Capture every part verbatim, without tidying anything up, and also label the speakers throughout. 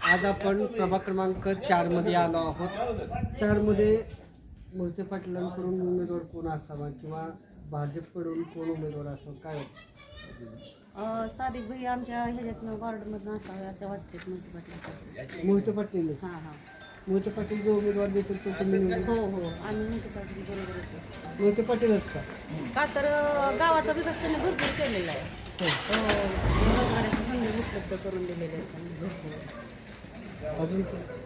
Speaker 1: आज आपण प्रभाग क्रमांक चार मध्ये आलो आहोत. चार मध्ये मोहिते पाटलांकडून उमेदवार कोण असावा किंवा भाजपकडून कोण उमेदवार असावा काय वाटतं?
Speaker 2: सादिक भाई आमच्या ह्याच्यातनं वॉर्डमधून असावे असं वाटते मोहिते पाटील.
Speaker 1: मोहिते पाटील
Speaker 2: हां हां
Speaker 1: मोहिते पाटील जो उमेदवार देतील तो तुम्ही निवडून?
Speaker 2: हो हो आम्ही मोहिते पाटील बरोबर होतो.
Speaker 1: मोहिते पाटीलच का?
Speaker 2: का तर अं, गावाचा विकास त्यांनी भरपूर केलेला आहे.
Speaker 1: हो.
Speaker 2: हो, रोजगाराच्या संधी उपलब्ध करून दिलेले आहेत त्यांनी भरपूर.
Speaker 1: अजून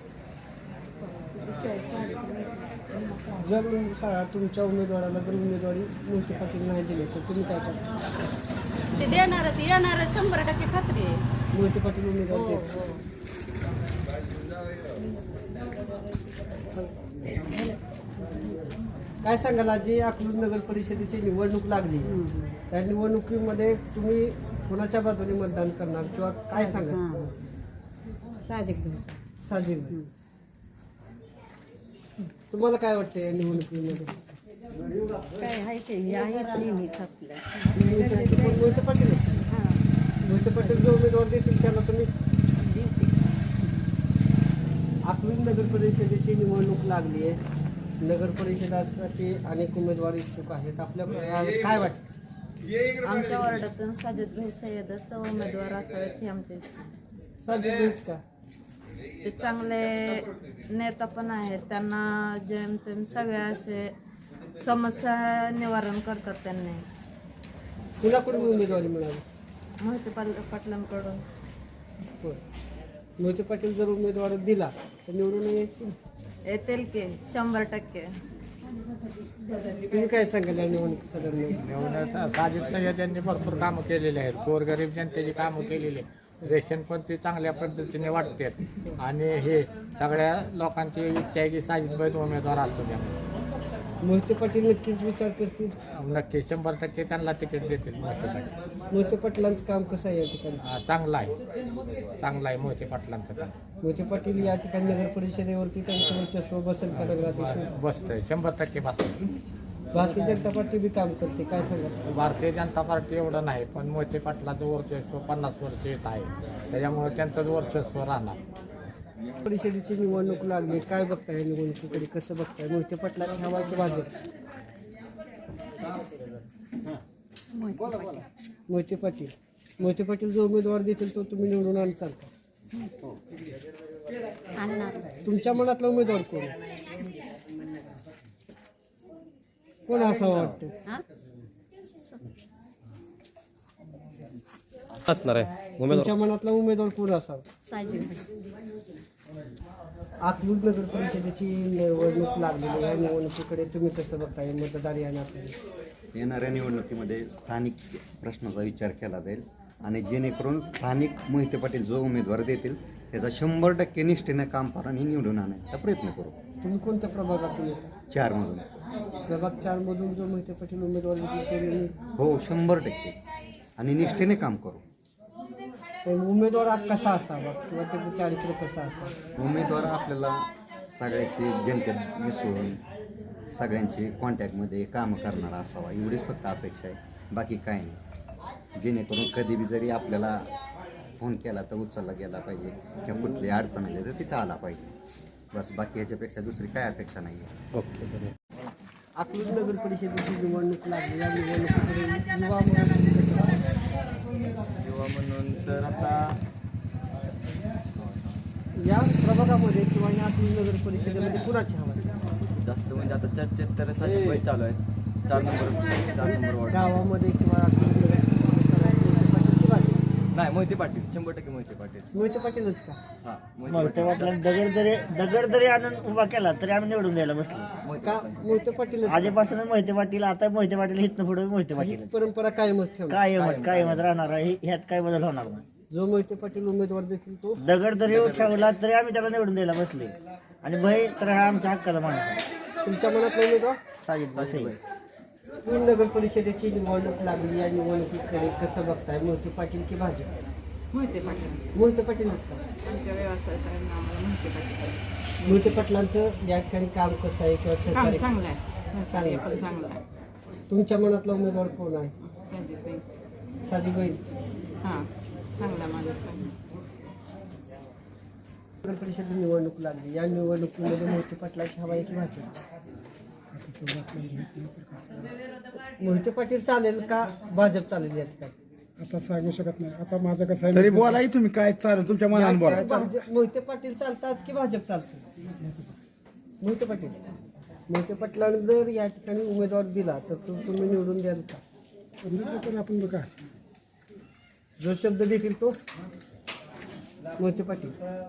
Speaker 1: जर सा- तुमच्या उमेदवाराला जर उमेदवारी मोहिते पाटील नाही दिली तर तुम्ही काय करता?
Speaker 2: ते देणारच येणारच शंभर टक्के खात्री आहे.
Speaker 1: मोहिते पाटील
Speaker 2: हो
Speaker 1: उमेदवार
Speaker 2: हो
Speaker 1: देतील. काय सांगाल आज जी अकलूज नगर परिषदेची निवडणूक लागली त्या निवडणुकीमध्ये तुम्ही कोणाच्या बाजूने मतदान करणार किंवा काय सांगाल?
Speaker 2: साहजिक
Speaker 1: साजिद तुम्हाला काय वाटतं या निवडणुकीमध्ये?
Speaker 2: काय आहे ते आहेच नेहमीच आपलं.
Speaker 1: मोहिते पाटील
Speaker 2: हां
Speaker 1: मोहिते पाटील जो उमेदवार देतील त्याला तुम्ही? अकलूज नगर परिषदेची निवडणूक लागली आहे. नगर परिषदासाठी अनेक उमेदवार इच्छुक आहेत. आपल्या काय वाटतं?
Speaker 2: आमच्या वार्डातून साजिद भाई सय्यदच उमेदवार असावेत ही आमची इच्छा आहे.
Speaker 1: साजिद का?
Speaker 2: ते चांगले नेता पण आहेत. त्यांना जेमतेम सगळ्या असे समस्या निवारण करतात. त्यांनी
Speaker 1: कुणाकडून उमेदवारी मिळाली?
Speaker 2: मोहिते पाल पाटलांकडून.
Speaker 1: होय. मोहिते पाटील जर उमेदवार दिला तर निवडून येतील?
Speaker 2: येतील की शंभर टक्के.
Speaker 1: तुम्ही काय सांगाल या निवडणुकीच्या दरम्यान?
Speaker 3: निवडण्याचा साजिद सय्यद यांनी भरपूर कामं केलेली आहेत. गोरगरीब जनतेची कामं केलेली आहेत. रेशन पण ते चांगल्या पद्धतीने वाटतात आणि हे सगळ्या लोकांची इच्छा आहे की साजिदभाई उमेदवार असतो त्या.
Speaker 1: मोहिते पाटील नक्कीच विचार करतील.
Speaker 3: नक्की शंभर टक्के त्यांना तिकीट देतील मोहिते पाटील.
Speaker 1: मोहिते पाटलांचं काम कसं आहे या ठिकाणी?
Speaker 3: हा, चांगलं आहे चांगलं आहे मोहिते पाटलांचं काम.
Speaker 1: मोहिते पाटील या ठिकाणी नगर परिषदेवरती त्यांचं वर्चस्व बसेल का नगराध्यक्ष?
Speaker 3: बसतंय शंभर टक्के बसतंय.
Speaker 1: भारतीय जनता पार्टी बी काम करते काय सांगा?
Speaker 3: भारतीय जनता पार्टी एवढं नाही पण मोहिते पाटलाचं वर्चस्व पन्नास वर्ष येत आहे त्याच्यामुळे त्यांचंच वर्चस्व राहणार.
Speaker 1: परिषदेची निवडणूक लागली काय बघताय निवडणुकीकडे कसं बघताय? मोहिते पाटलाची हवा की भाजप? मोहिते पाटील मोहिते पाटील जो उमेदवार देतील तो तुम्ही निवडून आणचाल का? तुमच्या मनातला उमेदवार कोण कोण असं वाटतं?
Speaker 4: असणार आहे उमेदवार.
Speaker 1: तुमच्या मनातला उमेदवार कोण असावा?
Speaker 2: साजिद
Speaker 1: अकलूज नगर परिषदेची निवडणूक लागलेली आहे. निवडणुकीकडे तुम्ही कसं बघताय मतदार या नात्याने?
Speaker 5: येणाऱ्या निवडणुकीमध्ये स्थानिक प्रश्नाचा विचार केला जाईल आणि जेणेकरून स्थानिक मोहिते पाटील जो उमेदवार देतील त्याचा शंभर टक्के निष्ठेनं काम करून निवडून आणायचा प्रयत्न करू.
Speaker 1: तुम्ही कोणत्या प्रभागातून येता?
Speaker 5: चारमधून.
Speaker 1: प्रभाग चार मधून जो मोहिते पाटील उमेदवार देतील तो
Speaker 5: हो शंभर टक्के आणि निष्ठेने काम करू.
Speaker 1: पण उमेदवार कसा असावा किंवा त्याचं चारित्र्य कसं असावं?
Speaker 5: उमेदवार आपल्याला सगळ्याशी जनतेत मिसळून सगळ्यांची कॉन्टॅक्टमध्ये कामं करणारा असावा एवढीच फक्त अपेक्षा आहे. बाकी काय नाही. जेणेकरून कधी बी जरी आपल्याला फोन केला तर उचलला गेला पाहिजे किंवा कुठली अडचण आली तर तिथं आला पाहिजे. बस बाकी ह्याच्यापेक्षा दुसरी काय अपेक्षा नाही आहे.
Speaker 4: ओके.
Speaker 1: अकलूज नगर परिषदेची निवडणूक लागली या निवडणुकीकडे युवा म्हणून
Speaker 4: युवा म्हणून तर आता
Speaker 1: या प्रभागामध्ये किंवा या अकलूज नगर परिषदेमध्ये कुणाची हवा आहे?
Speaker 4: जास्त म्हणजे आता चर्चेत तर साजिद भाई चालू आहे. चार नंबर चार नंबर वॉर्ड.
Speaker 1: गावामध्ये किंवा अकलूज नगर
Speaker 4: नाही मोहिते पाटील शंभर टक्के मोहिते पाटील.
Speaker 1: मोहिते पाटीलच का?
Speaker 4: हां
Speaker 6: मोहिते पाटलांनी दगड जरी दगड जरी आणून उभा केला तरी आम्ही निवडून द्यायला बसलो.
Speaker 1: का मोहिते पाटीलच?
Speaker 6: आधीपासून मोहिते पाटील आता मोहिते पाटील इथनं पुढे मोहिते
Speaker 1: ही
Speaker 6: पाटील
Speaker 1: परंपरा कायमच ठेवली.
Speaker 6: कायमच कायमच राहणार आहे. ह्यात काय बदल होणार नाही.
Speaker 1: जो मोहिते पाटील उमेदवार देतील तो
Speaker 6: दगड जरी ठेवला तरी आम्ही त्याला निवडून द्यायला बसले आणि भाई तर हा आमच्या हक्काचा माणूस आहे.
Speaker 1: तुमच्या मनातला उमेदवार?
Speaker 6: साजिद भाई.
Speaker 1: पूर्ण नगर परिषदेची निवडणूक लागली या निवडणुकीकडे कसं बघताय? मोहिते पाटील की भाजप?
Speaker 2: मोहिते पाटील
Speaker 1: मोहिते पाटीलच का?
Speaker 2: आमच्या व्यवसायात आम्हाला मोहिते पाटील
Speaker 1: मोहिते पाटलांचं या ठिकाणी काम कसं आहे किंवा
Speaker 2: काम
Speaker 1: सहकार्य
Speaker 2: चांगलं आहे.
Speaker 1: चांगलं
Speaker 2: पण
Speaker 1: आहे.
Speaker 2: चांगलं आहे.
Speaker 1: तुमच्या मनातला उमेदवार कोण आहे?
Speaker 2: साजिद भाई
Speaker 1: साजीबाई
Speaker 2: हां चांगला माणूस आहे.
Speaker 1: नगर परिषद निवडणूक लागली, या निवडणुकीमध्ये मोहिते पाटलाची हवा आहे की भाजप? मोहिते पाटील चालेल का भाजप चालेल या ठिकाणी?
Speaker 7: आता सांगू शकत नाही. आता माझं कसं आहे तरी बोलाही तुम्ही काय चालेल तुमच्या मनाने बोला.
Speaker 1: भाजप मोहिते पाटील चालतात की भाजप चालतं? मोहिते पाटील मोहिते पाटलांना जर या ठिकाणी उमेदवार दिला तर तो तुम्ही निवडून द्याल का?
Speaker 7: पण आपण बघा
Speaker 1: जो शब्द देतील तो मोहिते पाटील.